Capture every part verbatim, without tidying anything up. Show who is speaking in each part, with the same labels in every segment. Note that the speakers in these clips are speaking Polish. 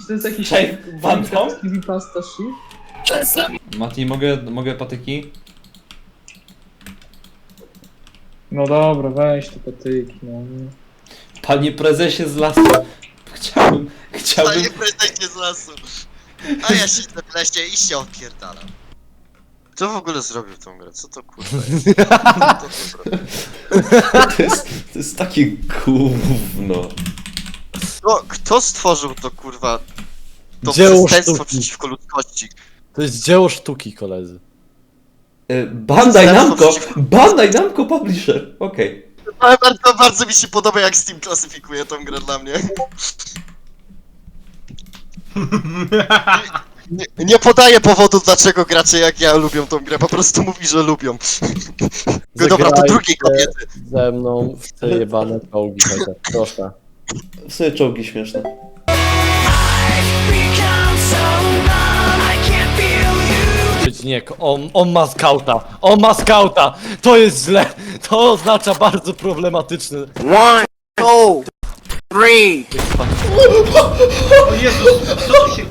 Speaker 1: Czy to jest jakiś...
Speaker 2: Cześć, Bantom?
Speaker 1: Pasta shit?
Speaker 2: Mati, mogę, mogę patyki?
Speaker 1: No dobra, weź te patyki, no.
Speaker 2: Panie prezesie z lasu. Chciałbym, chciałbym...
Speaker 3: Panie prezesie z lasu. A ja siedzę w lesie i się odpierdalam. Kto w ogóle zrobił tą grę? Co to kurwa jest? Kto to zrobił?
Speaker 2: To jest, to jest takie gówno.
Speaker 3: Kto, kto stworzył to kurwa? To
Speaker 4: Dzieło
Speaker 3: przestępstwo
Speaker 4: sztuki.
Speaker 3: przeciwko ludzkości.
Speaker 4: To jest dzieło sztuki, koledzy.
Speaker 2: Y, Bandai Namco! Bandai Namco Publisher! Okej.
Speaker 3: Ale bardzo, bardzo mi się podoba, jak Steam klasyfikuje tą grę dla mnie. Nie, nie podaje powodu, dlaczego gracze jak ja lubią tą grę, po prostu mówi, że lubią. No dobra, do drugiej kobiety.
Speaker 4: Ze mną w te jebane czołgi, chociaż. Proszę.
Speaker 2: W sumie czołgi śmieszne.
Speaker 4: Przeciwnik, on, on ma skauta! On ma skauta! To jest źle! To oznacza bardzo problematyczny.
Speaker 5: One, two, three.
Speaker 6: O Jezus, co tu się...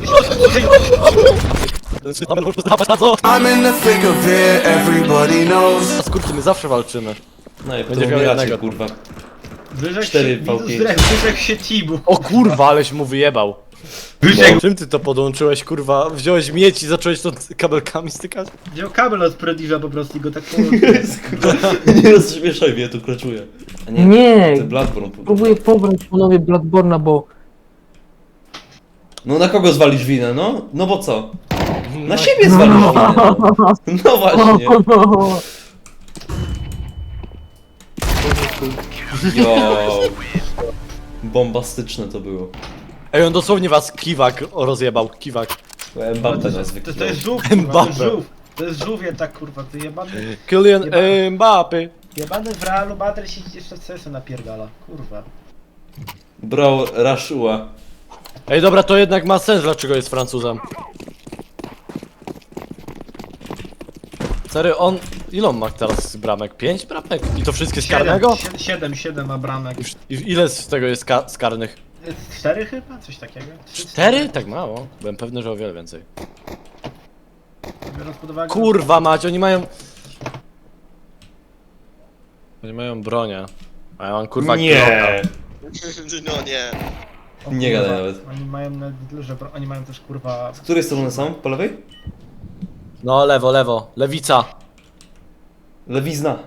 Speaker 5: I'm in the thick of it, everybody knows.
Speaker 4: Skurczy, my zawsze walczymy.
Speaker 2: No i
Speaker 4: Będzie
Speaker 2: potem
Speaker 4: miał
Speaker 2: umieracie,
Speaker 4: jednego.
Speaker 2: kurwa.
Speaker 6: Wyrzekł
Speaker 2: cztery
Speaker 6: się,
Speaker 2: V pięć.
Speaker 6: wyrzekł się Tibu.
Speaker 4: O kurwa, aleś mu wyjebał.
Speaker 6: Wyrzekł.
Speaker 4: Czym ty to podłączyłeś, kurwa? Wziąłeś mieć i zacząłeś to kabelkami stykać?
Speaker 6: Wziął kabel od Prodiża po prostu i go tak połączył.
Speaker 2: Nie rozśmieszaj mnie, tu kraczuję. A nie,
Speaker 1: Nie,
Speaker 2: to Bloodborne.
Speaker 1: próbuję pobrać ponownie Bloodborne'a, bo...
Speaker 2: No na kogo zwalisz winę, no? No bo co? Na siebie zwalisz winę. No, no właśnie. Jo. Bombastyczne to było.
Speaker 4: Ej, on dosłownie was kiwak rozjebał, kiwak.
Speaker 2: Mbappe nas
Speaker 6: To, to
Speaker 2: wykrył.
Speaker 6: jest żółw, kurwa, to jest
Speaker 4: Mbappe.
Speaker 6: żółw. To jest żółwie tak kurwa, ty jebany...
Speaker 4: Kylian
Speaker 6: Jeba-
Speaker 4: Mbappé.
Speaker 6: Jebany w Realu Madryt się jeszcze w C S-a napierdala, kurwa.
Speaker 2: Bro, Rashua.
Speaker 4: Ej, dobra, to jednak ma sens, dlaczego jest Francuzem. Sery, on... Ile on ma teraz bramek? Pięć bramek? I to wszystkie z karnego?
Speaker 6: Siedem, siedem, siedem ma bramek.
Speaker 4: I ile z tego jest ka z karnych?
Speaker 6: Cztery chyba? Coś takiego? Trzy,
Speaker 4: Cztery? Tak mało? Byłem pewny, że o wiele więcej.
Speaker 6: Biorąc pod uwagę...
Speaker 4: Kurwa mać, oni mają... Oni mają bronię. A ja mam kurwa
Speaker 2: Nie.
Speaker 4: Glocka.
Speaker 3: No nie.
Speaker 6: O,
Speaker 2: Nie
Speaker 6: kurwa,
Speaker 2: gadaj nawet.
Speaker 6: Oni mają nawet duże bro... Oni mają też kurwa...
Speaker 2: Z której strony są? Po lewej?
Speaker 4: No lewo, lewo. Lewica.
Speaker 2: Lewizna.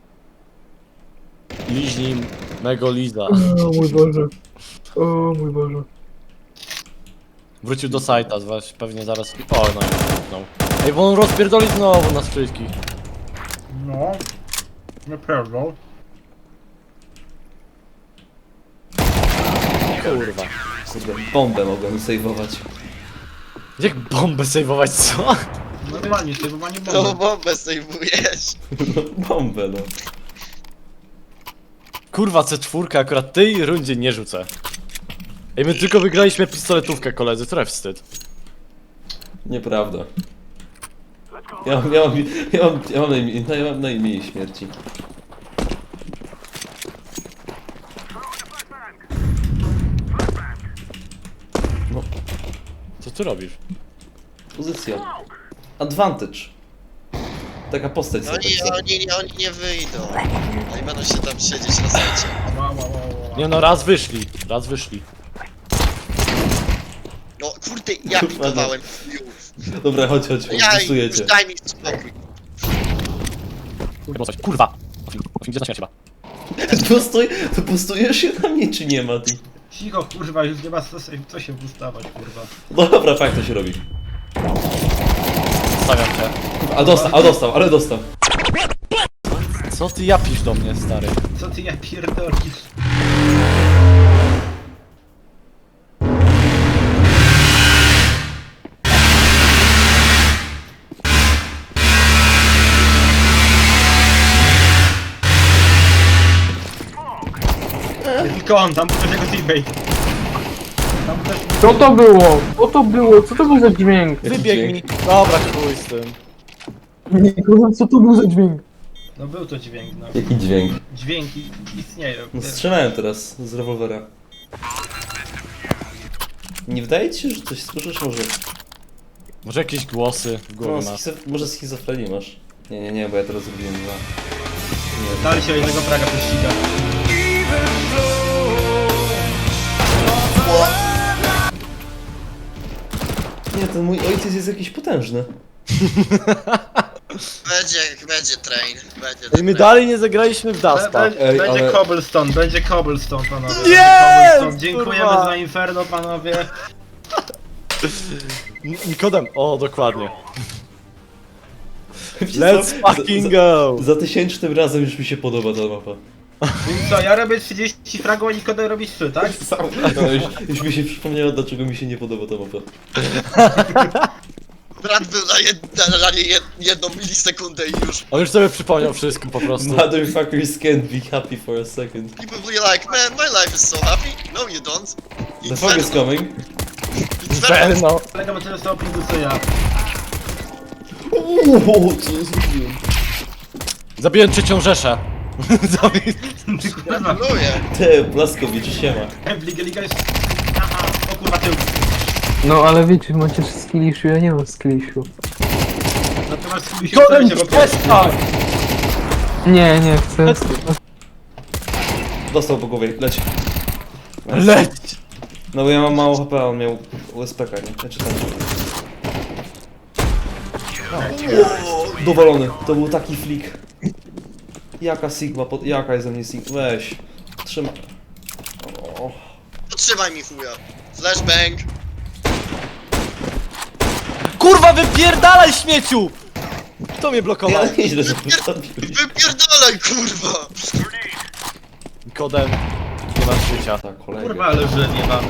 Speaker 4: Liźni mego Liza.
Speaker 1: O mój Boże. O mój Boże.
Speaker 4: Wrócił do sajta, zwać pewnie zaraz... O, no i no. Ej, bo on rozpierdoli znowu nas wszystkich.
Speaker 6: No... Naprawdę.
Speaker 4: Kurwa.
Speaker 2: Kurde, bombę mogłem sejwować.
Speaker 4: Jak bombę sejwować, co?
Speaker 6: Normalnie, sejwowanie
Speaker 3: No
Speaker 6: bomby.
Speaker 3: bombę sejmujesz.
Speaker 2: No, bombę, no.
Speaker 4: Kurwa, C cztery akurat tej rundzie nie rzucę. Ej, my tylko wygraliśmy pistoletówkę, koledzy, trochę wstyd.
Speaker 2: Nieprawda. Ja mam, ja mam, ja mam, ja mam, najmniej, ja mam najmniej śmierci. No,
Speaker 4: Co ty robisz?
Speaker 2: pozycja. Advantage. Taka postać
Speaker 3: No
Speaker 2: sobie.
Speaker 3: oni, oni, oni nie wyjdą. Oni będą się tam siedzieć na sajcie.
Speaker 6: Wow, wow, wow, wow.
Speaker 4: Nie no, raz wyszli, raz wyszli.
Speaker 3: No kurde, ja
Speaker 2: Kurwa, no.
Speaker 3: pitowałem.
Speaker 2: Dobra, chodź, chodź,
Speaker 3: Ja już
Speaker 2: głosujecie.
Speaker 3: daj mi spokój.
Speaker 4: Kurwa, coś, kurwa! Gdzie zaczyna się chyba?
Speaker 2: Postój, to postujesz się na mnie, czy nie ma? Ty?
Speaker 6: Cicho, kurwa, już nie ma co, się- co się ustawać, kurwa.
Speaker 2: No dobra, fakt to się robi.
Speaker 4: Stawiam cię.
Speaker 2: A dostał, a dostał, ale dostał.
Speaker 4: Co ty japisz do mnie, stary?
Speaker 6: Co ty ja pierdolisz? Tylko on, tam był też jego teammate. Tam też...
Speaker 1: Co to było? Co to było? Co to był za dźwięk?
Speaker 2: Jaki
Speaker 4: Wybieg
Speaker 2: dźwięk?
Speaker 4: mi. Dobra, chuj z tym.
Speaker 1: Nie, kurwa, co to był za dźwięk?
Speaker 6: No był to dźwięk, no.
Speaker 2: Jaki dźwięk?
Speaker 6: Dźwięki istnieją.
Speaker 2: No strzelałem teraz z rewolwera. Nie wydaje ci się, że coś słyszysz? Może,
Speaker 4: Może jakieś głosy w
Speaker 2: no,
Speaker 4: głowie masz.
Speaker 2: schizo... może schizofrenię masz? Nie, nie, nie, bo ja teraz zrobiłem dwa. Nie.
Speaker 6: Dali się o jednego fraga prześciga.
Speaker 2: Nie, ten mój ojciec jest jakiś potężny.
Speaker 3: Będzie, będzie train, będzie
Speaker 4: I my
Speaker 3: train.
Speaker 4: dalej nie zagraliśmy w Dasta.
Speaker 6: Be-
Speaker 2: Ej,
Speaker 6: Będzie
Speaker 2: ale-
Speaker 6: cobblestone, będzie cobblestone, panowie.
Speaker 4: Jest!
Speaker 6: Będzie cobblestone. Dziękujemy
Speaker 4: Kurwa!
Speaker 6: za Inferno, panowie.
Speaker 4: N- Nikodem, o dokładnie.
Speaker 2: Wiecie
Speaker 4: Let's
Speaker 2: co?
Speaker 4: fucking
Speaker 2: za,
Speaker 4: go!
Speaker 2: Za, za tysięcznym razem już mi się podoba ta mapa.
Speaker 6: Więc co, ja robię trzydzieści fragów, a Nikodem robi trzy, tak?
Speaker 2: No, już, już mi się przypomniało, dlaczego mi się nie podoba ta mapa.
Speaker 3: Brat był na, jed, na, na nie jed, jedną milisekundę i już.
Speaker 4: On już sobie przypomniał wszystko po prostu.
Speaker 2: Motherfuckers can't be happy for a second.
Speaker 3: People be like, man, my life is so happy. No you don't.
Speaker 2: The fuck is coming?
Speaker 3: Inferno.
Speaker 4: Inferno.
Speaker 6: Kolega ma tyle samo pingu co ja.
Speaker 2: Uuu, co ja zrobiłem?
Speaker 4: Zabiłem trzecią Rzeszę. Zabi-
Speaker 6: Kurwa,
Speaker 3: Gratuluję.
Speaker 2: Te, Blaskowicz, siema.
Speaker 6: Liga, liga jest... Aha, o kurwa tył.
Speaker 7: No ale wiecie, macie skillishu, ja nie mam skillishu.
Speaker 6: Natomiast skupił się
Speaker 4: Nikodem,
Speaker 6: w bo
Speaker 4: przestań!
Speaker 7: Nie, nie chcę.
Speaker 2: Dostał po głowie, leć.
Speaker 4: Leć!
Speaker 2: No bo ja mam mało H P, a on miał U S P K, nie? Znaczy tam. Dowalony, to był taki flick. Jaka Sigma, pod... jaka jest ze mnie Sigma? Weź. Trzymaj. O.
Speaker 3: Potrzymaj mi chuja. Flashbang.
Speaker 4: Kurwa, wypierdalaj śmieciu! Kto mnie blokował?
Speaker 2: Ja nieźle, że postawiłeś.
Speaker 3: Wypierdalaj, kurwa.
Speaker 4: Nikodem, nie masz życia.
Speaker 2: Tak, kolega.
Speaker 6: Kurwa, ale że nie mam.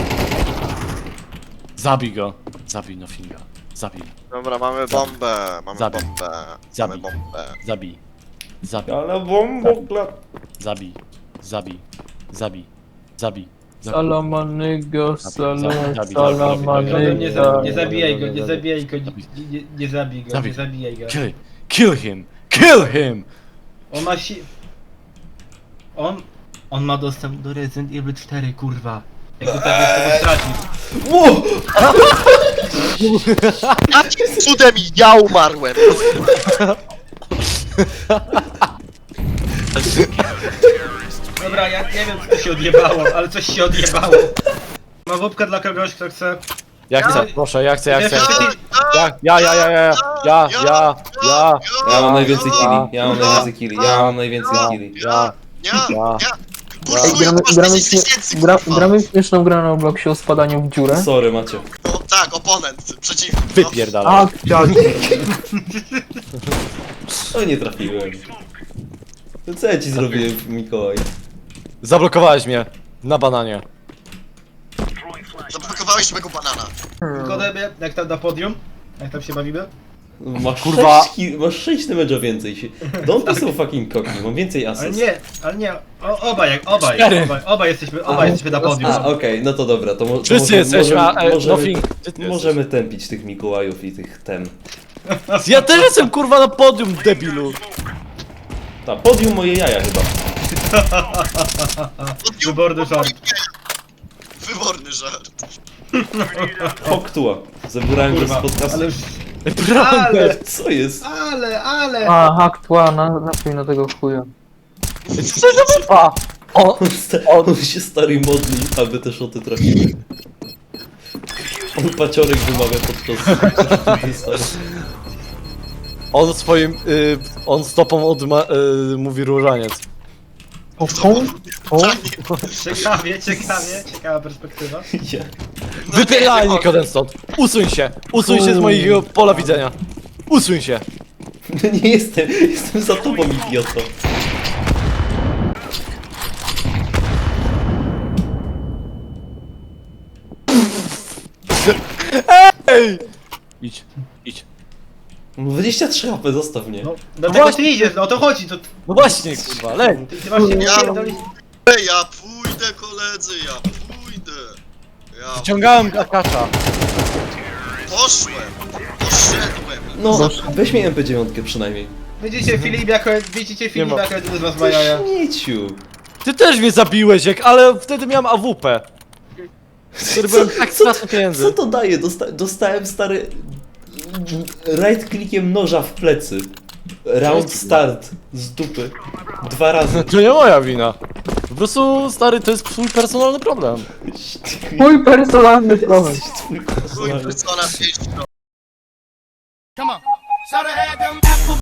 Speaker 4: Zabij go. Zabij Noffinga. Zabij.
Speaker 3: Dobra, mamy bombę. Mamy
Speaker 4: Zabij.
Speaker 3: bombę.
Speaker 4: Zabij.
Speaker 3: Mamy bombę.
Speaker 4: Zabij. Zabij.
Speaker 2: Ale bombokla.
Speaker 4: Zabij. Zabij. Zabij. Zabij. Zabij.
Speaker 7: Salamanygo,
Speaker 4: Zabij, zabij,
Speaker 6: Nikodem, nie, za,
Speaker 7: salamanygo.
Speaker 6: nie zabijaj go, nie zabijaj go, nie, nie, nie zabij go,
Speaker 4: Zabij.
Speaker 6: nie zabijaj go.
Speaker 4: Kill, kill him! Kill him!
Speaker 6: On ma si... On... On ma dostęp do Resident Evil cztery, kurwa. Jak to tak jest, to stracisz.
Speaker 2: Wow!
Speaker 3: Jakim cudem ja umarłem?
Speaker 6: Dobra, ja nie wiem co się odjebało, ale coś się odjebało. Ma wódkę dla kogoś, kto chce.
Speaker 4: Ja chcę, proszę, ja chcę, ja chcę.
Speaker 3: Ja,
Speaker 4: Ja, ja, ja, ja, ja, ja, ja, ja,
Speaker 2: Ja mam najwięcej
Speaker 4: Ja.
Speaker 2: killi, ja mam najwięcej killi, ja mam najwięcej killi.
Speaker 4: ja.
Speaker 3: Ja,
Speaker 4: Ja.
Speaker 3: ja.
Speaker 7: Ej,
Speaker 3: Kursuję,
Speaker 7: gramy,
Speaker 3: masz
Speaker 7: gramy,
Speaker 3: dziesięć tysięcy,
Speaker 7: gra,
Speaker 3: kurwa.
Speaker 7: gramy w śmieszną grę na Robloxie o spadaniu w dziurę.
Speaker 2: Sorry, macie.
Speaker 3: No, tak, oponent, przeciwnik. No.
Speaker 4: Wypierdalaj.
Speaker 7: A, chciałem.
Speaker 2: No nie trafiłem. To co ja ci zrobiłem, Mikołaj?
Speaker 4: Zablokowałeś mnie. Na bananie.
Speaker 3: Zablokowałeś mego banana.
Speaker 6: Nikodemie, jak tam na podium? Jak tam się bawimy?
Speaker 2: Masz
Speaker 4: Kurwa.
Speaker 2: sześć, ki- masz sześć damage'a więcej. się- Don't be so fucking cocky, mam więcej
Speaker 6: Ale
Speaker 2: asyst.
Speaker 6: nie, ale nie, o, obaj, jak obaj,
Speaker 4: Cztery.
Speaker 6: obaj, obaj jesteśmy, obaj jesteśmy na podium.
Speaker 2: A, okej, no to dobra, to, mo- to
Speaker 4: Wszyscy
Speaker 2: może-
Speaker 4: jesteśmy, a
Speaker 2: możemy,
Speaker 4: e,
Speaker 2: możemy,
Speaker 4: Nothing. Gdzie ty
Speaker 2: możemy tępić tych Mikołajów i tych ten.
Speaker 4: jesteś? Ja też jestem kurwa na podium, debilu.
Speaker 2: Ta, podium moje jaja chyba.
Speaker 6: Wyborny żart.
Speaker 3: Wyborny żart.
Speaker 2: Poktua. Zabierałem go z
Speaker 6: Kurwa,
Speaker 2: podcastu.
Speaker 6: ale już,
Speaker 4: Prawda.
Speaker 6: ale,
Speaker 2: Co jest?
Speaker 6: ale, ale.
Speaker 7: A, hak tła, na, napój na tego chuja.
Speaker 4: A, o,
Speaker 2: On, sta- on się stary modli, aby te szoty trafiły. On paciorek wymawia podczas...
Speaker 4: on swoim, y, on stopą odma, y, mówi różaniec.
Speaker 7: O, o, o.
Speaker 6: Ciekawie, ciekawie, ciekawa perspektywa.
Speaker 2: Ja.
Speaker 4: Wypierdalaj Nikodem stąd. Usuń się. Usuń się z mojego pola widzenia. Usuń się.
Speaker 2: No nie jestem, jestem za tobą, idioto.
Speaker 4: Ej! Idź, idź.
Speaker 2: dwadzieścia trzy H P, zostaw mnie.
Speaker 6: No, do tego ty idziesz, no o to chodzi, to
Speaker 4: No właśnie, kurwa, lej.
Speaker 6: ty, ty masz się
Speaker 3: Ja-
Speaker 6: pierdolić.
Speaker 3: Ej, ja pójdę, koledzy, ja pójdę. Ja
Speaker 4: Ciągałem akacza.
Speaker 3: poszłem. Poszedłem.
Speaker 2: No, weź mi M P dziewięć przynajmniej.
Speaker 6: Widzicie Filip jako, widzicie Filip
Speaker 4: ma.
Speaker 6: jako jeden z was ma jaja.
Speaker 2: Śmieciu.
Speaker 4: Ty też mnie zabiłeś, jak, ale wtedy miałem A W P. który byłem tak straszny pieniędzy.
Speaker 2: Co to daje? Dosta dostałem stary... Right clickiem noża w plecy. Round start. Z dupy. Dwa razy.
Speaker 4: To nie moja wina. Po prostu, stary, to jest twój personalny problem.
Speaker 7: Mój personalny problem.
Speaker 2: Twój
Speaker 3: Chuj, persona pięć.